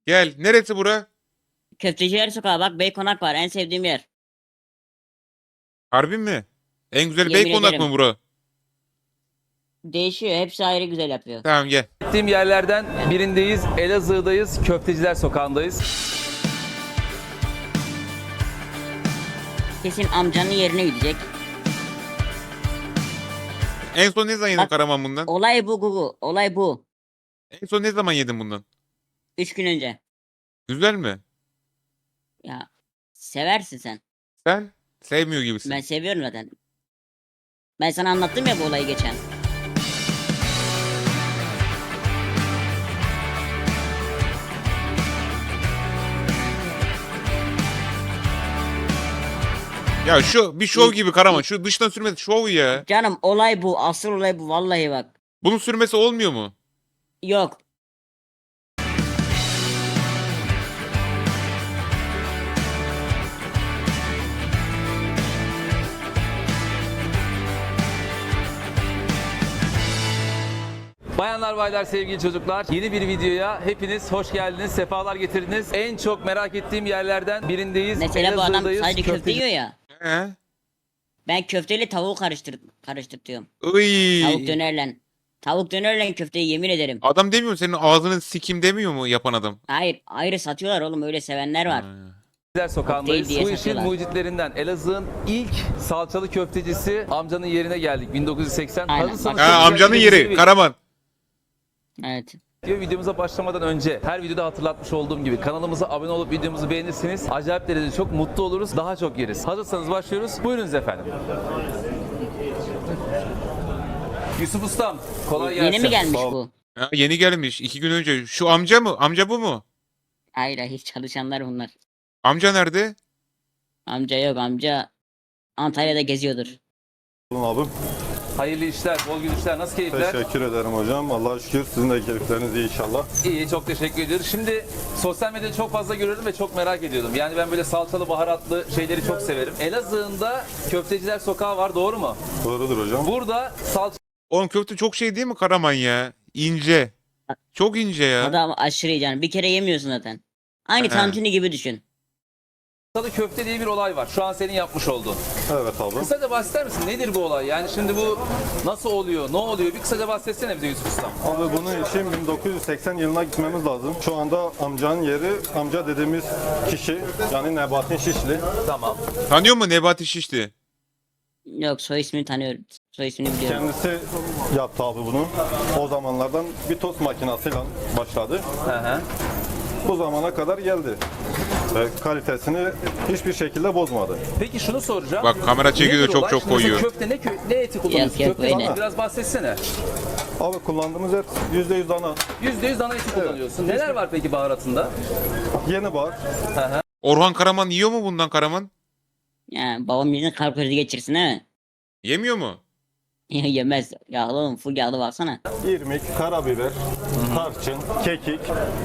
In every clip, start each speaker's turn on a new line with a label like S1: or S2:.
S1: Gel. Neresi bura?
S2: Köfteciler Sokağı bak Beykonak var en sevdiğim yer.
S1: Harbi mi? En güzel
S2: Yemin
S1: Beykonak
S2: ederim.
S1: mı bura?
S2: Değişiyor hepsi ayrı güzel yapıyor.
S1: Tamam gel.
S3: Gittiğim yerlerden birindeyiz. Elazığ'dayız. Köfteciler Sokağı'ndayız.
S2: Kesin amcanın yerine gidecek.
S1: En son ne zaman yedin
S2: Bak-
S1: Karaman bundan?
S2: Olay bu Gugu. Olay bu.
S1: En son ne zaman yedin bundan?
S2: 3 gün önce.
S1: Güzel mi?
S2: Ya seversin sen.
S1: Sen sevmiyor gibisin.
S2: Ben seviyorum zaten. Ben sana anlattım ya bu olayı geçen.
S1: Ya şu bir şov gibi Karaman. Şu dıştan sürmesi şov ya.
S2: Canım olay bu. Asıl olay bu. Vallahi bak.
S1: Bunun sürmesi olmuyor mu?
S2: Yok.
S3: Bayanlar baylar sevgili çocuklar, yeni bir videoya hepiniz hoş geldiniz, sefalar getirdiniz. En çok merak ettiğim yerlerden birindeyiz.
S2: Mesela bu adam
S3: Elazığ'dayız.
S2: sadece köfte yiyor ya.
S1: He?
S2: Ben köfteyle tavuğu karıştırtıyorum.
S1: Iy.
S2: Tavuk dönerle. Tavuk dönerle köfteyi yemin ederim.
S1: Adam demiyor mu senin ağzını sikim demiyor mu yapan adam?
S2: Hayır ayrı satıyorlar oğlum öyle sevenler var.
S3: Köfteciler Sokağı'ndayız.
S2: Kokteyl diye
S3: Bu işin
S2: satıyorlar.
S3: mucitlerinden Elazığ'ın ilk salçalı köftecisi amcanın yerine geldik 1980.
S2: Aynen,
S3: Hazırsanız
S2: bak.
S3: çok
S1: Ha,
S3: güzel
S1: amcanın
S3: bir
S1: yeri
S3: video-
S1: Karaman.
S2: Evet.
S3: Videomuza başlamadan önce her videoda hatırlatmış olduğum gibi kanalımıza abone olup videomuzu beğenirseniz acayip derecede çok mutlu oluruz. Daha çok yeriz. Hazırsanız başlıyoruz. Buyurunuz efendim. Yusuf Ustam kolay gelsin.
S2: Yeni mi gelmiş
S1: Sağ ol.
S2: bu?
S1: Ha, yeni gelmiş 2 gün önce. Şu amca mı? Amca bu mu?
S2: Hayır hiç çalışanlar bunlar.
S1: Amca nerede?
S2: Amca yok amca Antalya'da geziyordur.
S4: Abim.
S3: Hayırlı işler, bol gülüşler. Nasıl keyifler?
S4: Teşekkür ederim hocam. Allah'a şükür sizin de keyifleriniz iyi inşallah.
S3: İyi, çok teşekkür ediyoruz. Şimdi sosyal medyada çok fazla görüyorum ve çok merak ediyordum. Yani ben böyle salçalı, baharatlı şeyleri çok severim. Elazığ'ın da Köfteciler Sokağı var, doğru mu?
S4: Doğrudur hocam.
S3: Burada salça
S1: Oğlum köfte çok şey değil mi Karaman ya? İnce. Çok ince ya.
S2: Adam aşırı iyi canım. Bir kere yemiyorsun zaten. Aynı
S1: He.
S2: tantuni gibi düşün.
S3: Salçalı köfte diye bir olay var. Şu an senin yapmış olduğun.
S4: Evet abim.
S3: Kısaca bahseder misin? Nedir bu olay? Yani şimdi bu nasıl oluyor? Ne oluyor? Bir kısaca bahsetsene bize Yusuf Ustam.
S4: Abi bunun için 1980 yılına gitmemiz lazım. Şu anda amcanın yeri, amca dediğimiz kişi yani Nebatin Şişli.
S3: Tamam.
S1: Tanıyor musun Nebati Şişli?
S2: Yok soy ismini tanıyorum. Soy ismini biliyorum.
S4: Kendisi yaptı abi bunu. O zamanlardan bir tost makinesiyle başladı.
S3: Hı hı.
S4: Bu zamana kadar geldi. Ve kalitesini hiçbir şekilde bozmadı.
S3: Peki şunu soracağım.
S1: Bak kamera çekiyor,
S3: Nedir
S1: çok
S3: olay?
S1: çok
S3: Şimdi mesela
S1: koyuyor.
S3: Köfte ne eti kullanıyorsun?
S2: Yok, yok,
S3: Köfte
S2: öyle.
S3: biraz bahsetsene.
S4: Abi kullandığımız et %100 dana.
S3: %100 dana eti kullanıyorsun. Neler var peki baharatında?
S4: Yeni bar.
S1: Orhan Karaman yiyor mu bundan Karaman?
S2: Yani babam yüzünden kalp krizi geçirsin değil mi?
S1: Yemiyor mu?
S2: Yemez. Yağlı oğlum full yağlı baksana.
S4: İrmik, karabiber, tarçın, kekik,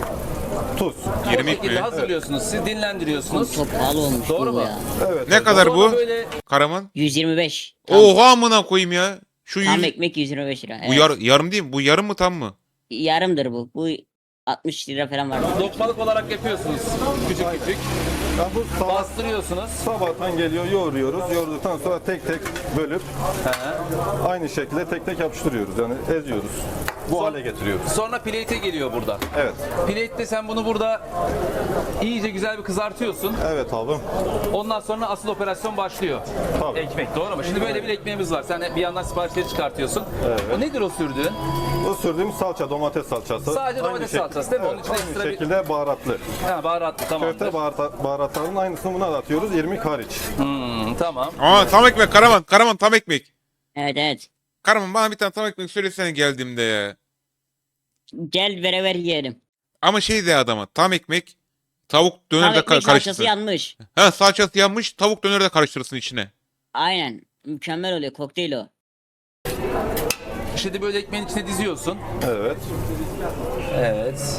S4: tuz.
S3: O
S1: 20
S3: şekilde
S1: mi?
S3: hazırlıyorsunuz, siz dinlendiriyorsunuz.
S2: Çok pahalı olmuş
S3: Doğru
S2: bu
S3: mu?
S2: ya.
S4: Evet.
S1: Ne kadar
S3: Sonra
S1: bu?
S3: böyle
S1: Karaman?
S2: 125. Tam,
S1: Oha amına koyayım ya. Şu
S2: tam
S1: 100...
S2: ekmek 125 lira.
S1: Bu
S2: Evet.
S1: yarım değil mi? Bu yarım mı tam mı?
S2: Yarımdır bu. Bu 60 lira falan var.
S3: lokmalık olarak yapıyorsunuz. Küçük küçük.
S4: Ya bu sabah,
S3: Bastırıyorsunuz.
S4: sabahtan geliyor, yoğuruyoruz. Yoğurduktan sonra tek tek bölüp aynı şekilde tek tek yapıştırıyoruz. Yani eziyoruz. Bu hale getiriyoruz.
S3: Sonra plate'e geliyor burada.
S4: Evet.
S3: Plate'de sen bunu burada iyice güzel bir kızartıyorsun.
S4: Evet abi.
S3: Ondan sonra asıl operasyon başlıyor.
S4: Tabii.
S3: Ekmek, doğru mu? Şimdi böyle bir ekmeğimiz var. Sen bir yandan siparişleri çıkartıyorsun. O nedir o sürdüğün?
S4: Bu sürdüğümüz salça, domates salçası.
S3: Sadece domates salçası değil mi? Onun
S4: Evet,
S3: içine
S4: aynı
S3: ekstra bir-
S4: şekilde baharatlı.
S3: Ha, baharatlı, tamamdır.
S4: Köfte baharatlarının aynısını buna da atıyoruz. İrmik hariç.
S3: Tamam.
S1: Aa tam ekmek Karaman. Karaman tam ekmek.
S2: Evet evet.
S1: Karaman bana bir tane tam ekmek söylesene geldiğimde ya.
S2: Gel beraber yiyelim.
S1: Ama şey de adama tam ekmek tavuk döner
S2: Tam
S1: de
S2: ekmek salçası
S1: karıştırsın.
S2: yanmış.
S1: Ha salçası yanmış tavuk döner de karıştırsın içine.
S2: Aynen. Mükemmel oluyor. Kokteyl o.
S3: Şimdi böyle ekmeğin içine diziyorsun.
S4: Evet.
S3: Evet.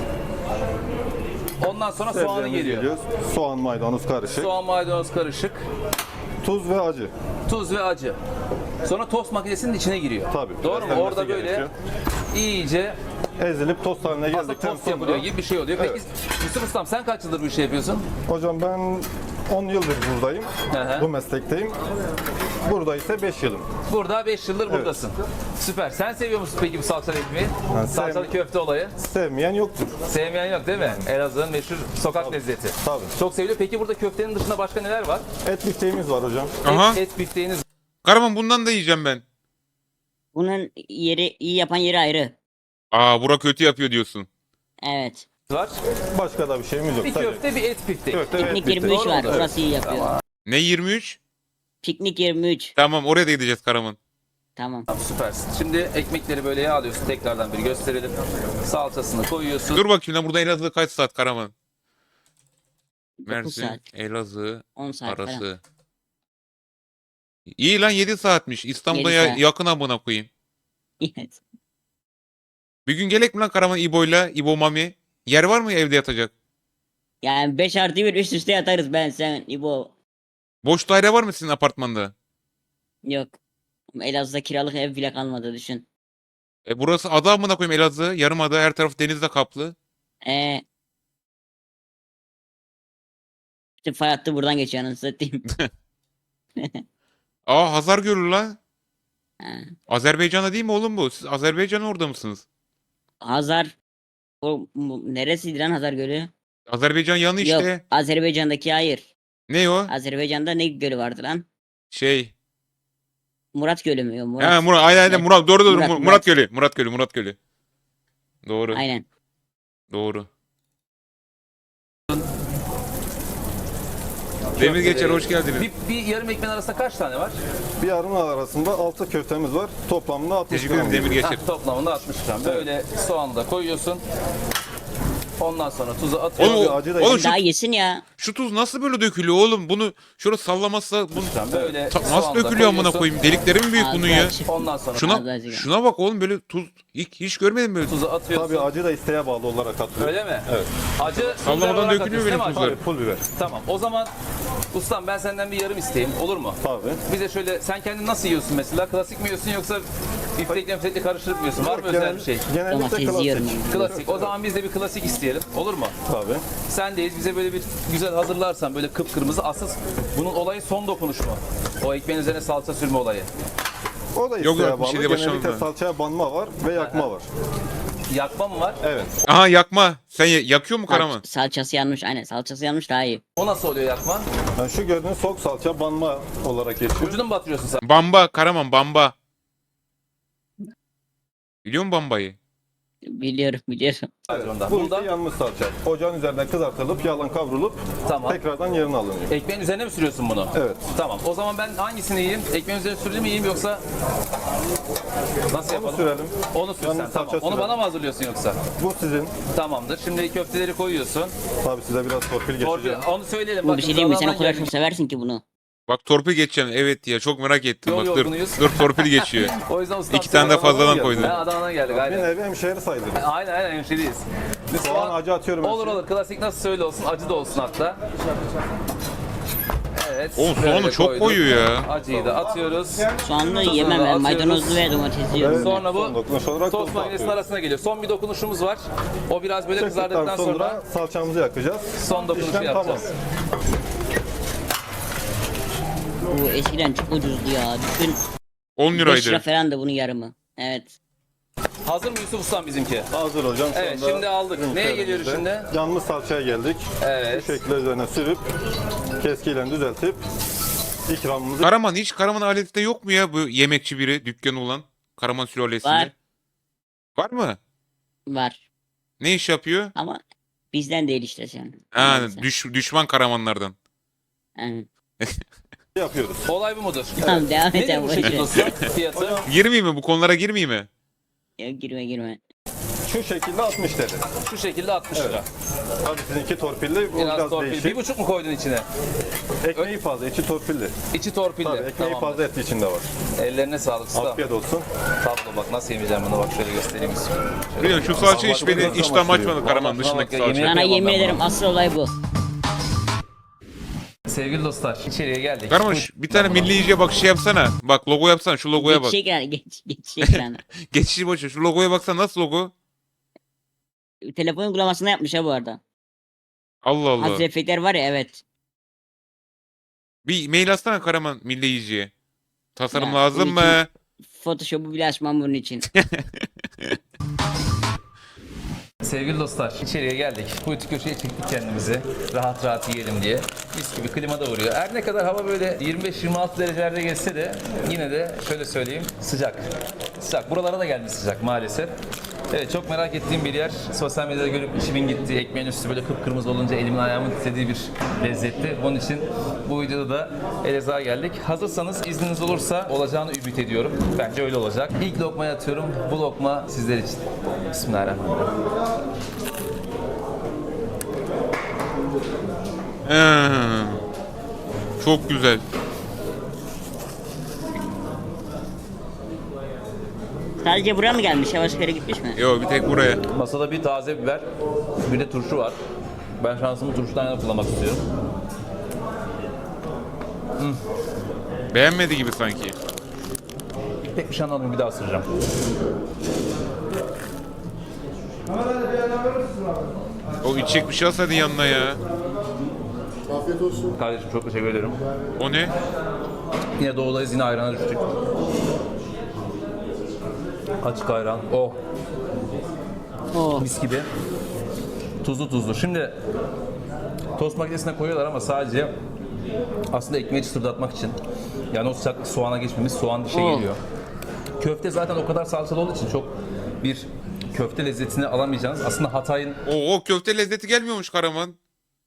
S3: Ondan sonra soğanı
S4: Sebzemiz
S3: geliyor.
S4: geliyor. Soğan, maydanoz karışık.
S3: Soğan, maydanoz karışık.
S4: Tuz ve acı.
S3: Tuz ve acı. Sonra tost makinesinin içine giriyor.
S4: Tabii.
S3: Doğru mu?
S4: beslenmesi
S3: Orada böyle
S4: gerekiyor.
S3: iyice
S4: Ezilip tost haline
S3: aslında
S4: geldikten
S3: tost yapılıyor
S4: sonra.
S3: gibi bir şey oluyor. Peki Yusuf Ustam sen kaç yıldır bu işi yapıyorsun?
S4: Hocam ben 10 yıldır buradayım.
S3: Hı hı.
S4: Bu meslekteyim. Burada ise 5 yılım.
S3: Burada 5 yıldır buradasın. Süper. Sen seviyor musun peki bu salçalı ekmeği?
S4: Ben
S3: Salçalı köfte olayı.
S4: Sevmeyen yoktur.
S3: Sevmeyen yok değil mi? Elazığ'ın meşhur sokak lezzeti.
S4: Tabii.
S3: Çok seviliyor. Peki burada köftenin dışında başka neler var?
S4: Et bifteğimiz var hocam.
S1: Aha.
S3: Et bifteğiniz
S1: Karaman bundan da yiyeceğim ben.
S2: Bunun yeri iyi yapan yeri ayrı.
S1: Aa bura kötü yapıyor diyorsun.
S2: Evet.
S3: var.
S4: Başka da bir şeyimiz yok.
S3: Bir
S4: Sadece
S3: köfte, bir et biftek.
S4: köfte ve et
S2: Piknik
S4: bifteği.
S2: 23
S3: Doğru
S2: var.
S3: oldu.
S2: Orası iyi yapıyor.
S1: Ne 23?
S2: Piknik 23.
S1: Tamam oraya da gideceğiz Karaman.
S2: Tamam.
S3: Tamam, süpersin. Şimdi ekmekleri böyle yağlıyorsun. Tekrardan bir gösterelim. Salçasını koyuyorsun.
S1: Dur bakayım lan burada Elazığ kaç saat Karaman?
S2: 9
S1: Mersin,
S2: saat.
S1: Elazığ
S2: 10 saat falan.
S1: arası. İyi lan 7 saatmiş. İstanbul'a
S2: 7 saat.
S1: yakın amına koyayım.
S2: Evet.
S1: Bir gün gelek mi lan Karaman İbo'yla, İbo Mami? Yer var mı evde yatacak?
S2: Yani 5+1 üst üste yatarız ben sen İbo.
S1: Boş daire var mı sizin apartmanda?
S2: Yok. Elazığ'da kiralık ev bile kalmadı düşün.
S1: Burası ada amına koyayım Elazığ. Yarımada her taraf denizle kaplı.
S2: İşte fay hattı buradan geçiyor anasını satayım.
S1: Aa Hazar Gölü lan.
S2: Ha.
S1: Azerbaycan'da değil mi oğlum bu? Siz Azerbaycan'ın orada mısınız?
S2: Hazar. Neresiydi lan Hazar Gölü?
S1: Azerbaycan yanı
S2: Yok.
S1: işte.
S2: Azerbaycan'daki hayır.
S1: Ne o?
S2: Azerbaycan'da ne gölü vardı lan?
S1: Şey.
S2: Murat Gölü mü? Yok, Murat.
S1: Ha Murat aynen aynen
S2: Evet.
S1: Murat doğru doğru
S2: Murat,
S1: Murat,
S2: Murat.
S1: Gölü. Murat Gölü Murat Gölü. Doğru.
S2: Aynen.
S1: Doğru. Demir Geçer hoş geldiniz.
S3: Bir yarım ekmeğin arasında kaç tane var?
S4: Bir yarım arasında 6 köftemiz var. Toplamda 60
S1: Teşekkür ederim
S4: gram.
S1: Demir Geçer.
S3: Toplamında 60 gram. Böyle soğanı da koyuyorsun. Ondan sonra tuzu atıyorsun.
S1: Oğlum,
S4: acı da
S1: oğlum
S4: yedim.
S1: şu,
S2: Daha yesin ya.
S1: şu tuz nasıl böyle dökülüyor oğlum? Bunu şöyle sallamazsa bunu
S3: Böyle
S1: nasıl
S3: soğanı da
S1: dökülüyor amına
S3: koyuyorsun.
S1: koyayım? Delikleri mi büyük
S2: Ağzı
S1: bunun ya?
S2: açık.
S3: Ondan sonra
S1: Şuna bak oğlum böyle tuz hiç görmedim böyle.
S3: tuzu atıyorsun.
S4: Tabii acı da isteğe bağlı olarak atılıyor.
S3: Öyle mi?
S4: Evet.
S3: Acı
S1: Sallamadan
S3: olarak
S1: dökülüyor
S3: atıyorsun
S1: benim
S3: değil mi
S1: tuzlar.
S3: acı?
S4: Tabii pul biber.
S3: Tamam. O zaman ustam ben senden bir yarım isteyeyim. Olur mu?
S4: Tabii.
S3: Bize şöyle sen kendin nasıl yiyorsun mesela? Klasik mi yiyorsun yoksa biftekle karıştırıp mı yiyorsun? Var mı özel bir şey?
S4: Genellikle
S2: Domates yiyorum.
S4: klasik.
S3: Klasik. O zaman biz de bir klasik isteyelim. Olur mu?
S4: Tabii.
S3: Sendeyiz. Bize böyle bir güzel hazırlarsan böyle kıpkırmızı. Asıl bunun olayı son dokunuş mu? O ekmeğin üzerine salça sürme olayı.
S4: O da
S1: Yok,
S4: isteğe
S1: yok, bir
S4: bağlı.
S1: şey de başlamadım
S4: Genellikle
S1: ben.
S4: salçaya banma var ve yakma var.
S3: Yakma mı var?
S4: Evet.
S1: Aha yakma. Sen yakıyor mu Karaman?
S2: Salçası yanmış. Aynen salçası yanmış daha iyi.
S3: O nasıl oluyor yakma?
S4: Yani şu gördüğünüz sok salça banma olarak geçiyor.
S3: Ucunu mu batırıyorsun sen?
S1: Bamba Karaman bamba. Biliyor musun bambayı?
S2: Biliyorum.
S3: Bunda.
S4: Bu
S3: Bunda
S4: ise yanmış salça. Ocağın üzerinde kızartılıp yağla kavrulup
S3: Tamam.
S4: tekrardan yerine alınıyor.
S3: ekmeğin üzerine mi sürüyorsun bunu?
S4: Evet.
S3: Tamam. O zaman ben hangisini yiyeyim? Ekmeğin üzerine sürülü mü yiyeyim yoksa nasıl
S4: Onu
S3: yapalım?
S4: sürelim.
S3: Onu sürsen
S4: Yalnız
S3: tamam.
S4: salça
S3: Onu
S4: sürelim.
S3: bana mı hazırlıyorsun yoksa?
S4: Bu sizin.
S3: Tamamdır. Şimdi köfteleri koyuyorsun.
S4: Tabii size biraz torpil
S3: Torpil,
S4: geçeceğim.
S3: onu söyleyelim.
S2: Bu
S3: Bakın,
S2: bir şey değil mi? Sen o
S3: Trabzon'dan
S2: kadar
S3: geldik.
S2: çok seversin ki bunu.
S1: Bak torpil geçeceğim. Evet ya çok merak ettim.
S3: Yol
S1: Bak dur.
S3: yorgunuyuz.
S1: Dur torpil geçiyor.
S3: O yüzden ustam
S1: İki tane de
S3: Adana'dan
S1: fazladan
S3: geldik.
S1: koydun.
S3: Ha, Adana'dan geldik
S4: Bir
S3: aynen.
S4: nevi hemşehri sayılır.
S3: Aynen hemşeriyiz. Biz
S4: Soğan acı atıyorum.
S3: Olur
S4: hepsine.
S3: olur. Klasik nasıl söyle olsun. Acı da olsun hatta. Evet.
S1: Oğlum
S3: böyle
S1: soğanı çok
S3: koyduk.
S1: koyuyor ya.
S3: Acıyı da atıyoruz.
S2: Soğanlı
S3: Tuzunu
S2: yemem
S3: da
S2: ben.
S3: atıyoruz.
S2: Maydanozlu ve domatesli yiyorum. ben.
S3: Sonra bu
S4: Son dokunuş olarak
S3: tost
S4: tostu
S3: makinesinin
S4: atıyoruz.
S3: arasına geliyor. Son bir dokunuşumuz var. O biraz böyle
S4: Çektikten
S3: kızardıktan sonra
S4: salçamızı yakacağız.
S3: son dokunuşu
S4: İşlem
S3: yapacağız.
S2: Bu eskiden çok ucuzdu ya. Düşün
S1: 10
S2: 5 lira
S1: liraydı.
S2: falan da bunun yarımı. Evet.
S3: Hazır mı Yusuf Ustam bizimki?
S4: Hazır hocam. Şu
S3: Evet,
S4: anda
S3: şimdi aldık.
S4: ürün
S3: Neye geliyoruz
S4: serviste. Yanmış salçaya geldik.
S3: Evet.
S4: Bu şekilde üzerine sürüp keskiyle düzeltip ikramımızı
S1: Karaman hiç Karaman aletinde yok mu ya bu yemekçi biri dükkanı olan Karaman sülalesinde?
S2: Var.
S1: Var mı?
S2: Var.
S1: Ne iş yapıyor?
S2: Ama bizden değil işte sen.
S1: Ha,
S2: Neyse.
S1: düşman Karamanlardan.
S2: Evet.
S4: yapıyoruz.
S3: Olay bu mudur?
S2: Tamam devam
S3: Nedir
S2: et.
S3: bu
S2: boş
S3: şekilde
S2: ver.
S3: ustam? Fiyatı?
S1: Girmeyeyim mi? Bu konulara girmeyeyim mi?
S2: Yok, girme.
S4: Şu şekilde 60 TL.
S3: Şu şekilde 60 lira.
S4: Tabii sizinki torpilli, bu
S3: Biraz
S4: biraz,
S3: torpil.
S4: değişik.
S3: 1,5 mu koydun içine?
S4: Ekmeği fazla, içi torpilli.
S3: İçi torpilli.
S4: Tabii ekmeği
S3: Tamam.
S4: fazla etli içinde var.
S3: Ellerine sağlık usta.
S4: Afiyet olsun.
S3: Tablo bak nasıl yemeyeceğim bunu bak şöyle göstereyim.
S1: Biliyorum şu salça hiç beni
S4: Vallahi
S1: iştahım
S4: başlıyor.
S1: açmadı Karaman
S3: Vallahi
S1: dışındaki
S3: bak ya,
S1: salça.
S3: yemin
S2: Sana
S3: Yapamam
S2: yemin
S3: ben
S2: ederim
S3: bunu.
S2: asıl olay bu.
S3: Sevgili dostlar, içeriye geldik.
S1: Karaman bir tane milli yiyeceğe bak şey yapsana. Bak logo yapsana şu logoya bak.
S2: Geçiş ekranı. Geçiş ekranı.
S1: Geçişi boş ver. Şu logoya baksana nasıl logo?
S2: Telefon uygulamasında yapmış ha bu arada.
S1: Allah Allah.
S2: Hazır efektler var ya, evet.
S1: Bir mail atsana Karaman milli yiyeceğe. Tasarım
S2: Ya,
S1: lazım
S2: bunun
S1: mı?
S2: Photoshop'u bile açmam bunun için.
S3: Sevgili dostlar, içeriye geldik. Kuytu köşeye çektik kendimizi. Rahat rahat yiyelim diye. Mis gibi klima da vuruyor. Her ne kadar hava böyle 25-26 derecelerde geçse de yine de şöyle söyleyeyim sıcak. Sıcak. Buralara da gelmiş sıcak maalesef. Evet, çok merak ettiğim bir yer. Sosyal medyada görüp içimin gittiği, ekmeğin üstü böyle kıpkırmızı olunca elimin ayağımın titrediği bir lezzetti. Onun için bu videoda da Elazığ'a geldik. Hazırsanız, izniniz olursa olacağını ümit ediyorum. Bence öyle olacak. İlk lokmayı atıyorum. Bu lokma sizler için. Bismillahirrahmanirrahim.
S1: Çok güzel.
S2: Sadece buraya mı gelmiş? Yavaş yere gitmiş mi?
S1: Yo bir tek buraya.
S3: Masada bir taze biber, bir de turşu var. Ben şansımı turşudan yana kullanmak istiyorum.
S1: Beğenmedi gibi sanki.
S3: Pek bir şey anlamadım, bir daha ısıracağım.
S1: O içecek bir şey alsaydın yanına ya.
S3: Kardeşim çok teşekkür ederim.
S1: O ne?
S3: Yine doğudayız, yine ayrana düştük. Açık ayran. Oh,
S2: Oo.
S3: mis gibi. Tuzlu tuzlu. Şimdi tost makinesine koyuyorlar ama sadece aslında ekmeği çıtırdatmak için. Yani o sıcaklık soğana geçmemiş, soğan dişe geliyor. Köfte zaten o kadar salçalı olduğu için çok bir köfte lezzetini alamayacağınız. Aslında Hatay'ın
S1: O köfte lezzeti gelmiyormuş Karaman.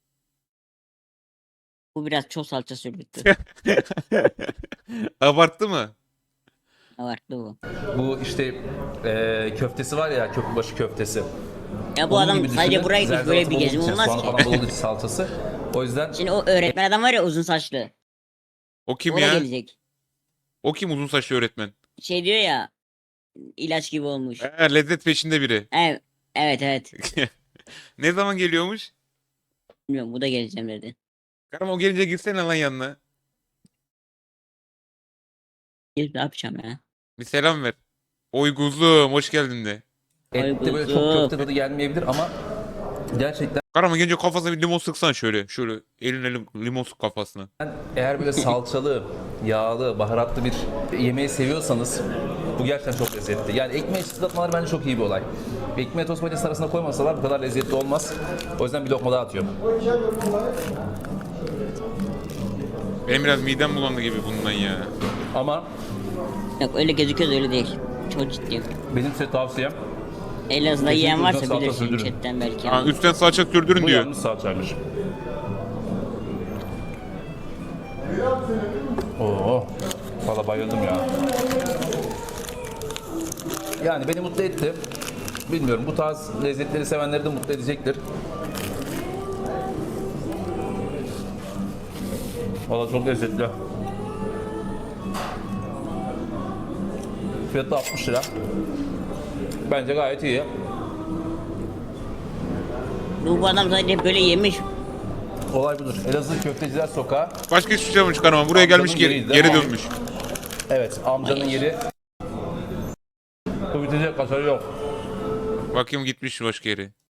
S2: Bu biraz çok salça sürdü.
S1: Abarttı mı?
S2: Abarttı bu.
S3: bu işte köftesi var ya, köprübaşı köftesi.
S2: Ya bu
S3: Onun
S2: adam
S3: gibi
S2: sadece
S3: düşünün.
S2: buraya gitmiş, böyle bir
S3: Zerdeçal
S2: gezim
S3: olduğu için,
S2: olmaz
S3: soğanı
S2: ki.
S3: falan dolu için salçası. O yüzden
S2: Şimdi o öğretmen adam var ya, uzun saçlı.
S1: O kim
S2: O da
S1: ya?
S2: gelecek.
S1: O kim uzun saçlı öğretmen?
S2: Şey diyor ya, ilaç gibi olmuş.
S1: Lezzet peşinde biri.
S2: Evet, evet, evet.
S1: Ne zaman geliyormuş?
S2: Bilmiyorum, bu da geleceğim dedi.
S1: Karaman o gelince gitsene lan yanına.
S2: Gelip ne yapacağım ya?
S1: Bir selam ver. Oy kuzum hoş geldin de.
S3: ette böyle çok köfte tadı gelmeyebilir ama gerçekten
S1: Karaman gelince kafasına bir limon sıksan şöyle. Şöyle eline limon sık kafasına.
S3: eğer böyle salçalı, yağlı, baharatlı bir yemeği seviyorsanız bu gerçekten çok lezzetli. Yani ekmeği çıtlatmaları bence çok iyi bir olay. Ekmeği tost makinesi arasında koymasalar bu kadar lezzetli olmaz. O yüzden bir lokma daha atıyorum.
S1: Benim biraz midem bulandı gibi bundan ya.
S3: Ama
S2: Yok, öyle gözüküyor da öyle değil. Çok ciddiyim.
S3: benim size tavsiyem
S2: Elazığ'da yiyen
S3: Kesinlikle
S2: varsa
S3: salça
S2: bilirsin
S3: sürdürün.
S2: chatten belki.
S1: Ha, üstten salça sürdürün
S3: bu
S1: diyor.
S3: yalnız salçaymış. Oo, valla bayıldım ya. Yani beni mutlu etti. Bilmiyorum, bu tarz lezzetleri sevenleri de mutlu edecektir. Valla çok lezzetli. Fiyatı 60 lira. Bence gayet iyi.
S2: Bu adam sadece böyle yemiş.
S3: Olay budur. Elazığ Köfteciler Sokağı.
S1: Başka hiçbir şey yapmamış Karaman. Buraya gelmiş
S3: Amcanın
S1: geri,
S3: yeriydi
S1: geri
S3: ama-
S1: dönmüş.
S3: Evet, amcanın yeri. Bu bitecek kasarı yok.
S1: Bakayım gitmiş başka yere.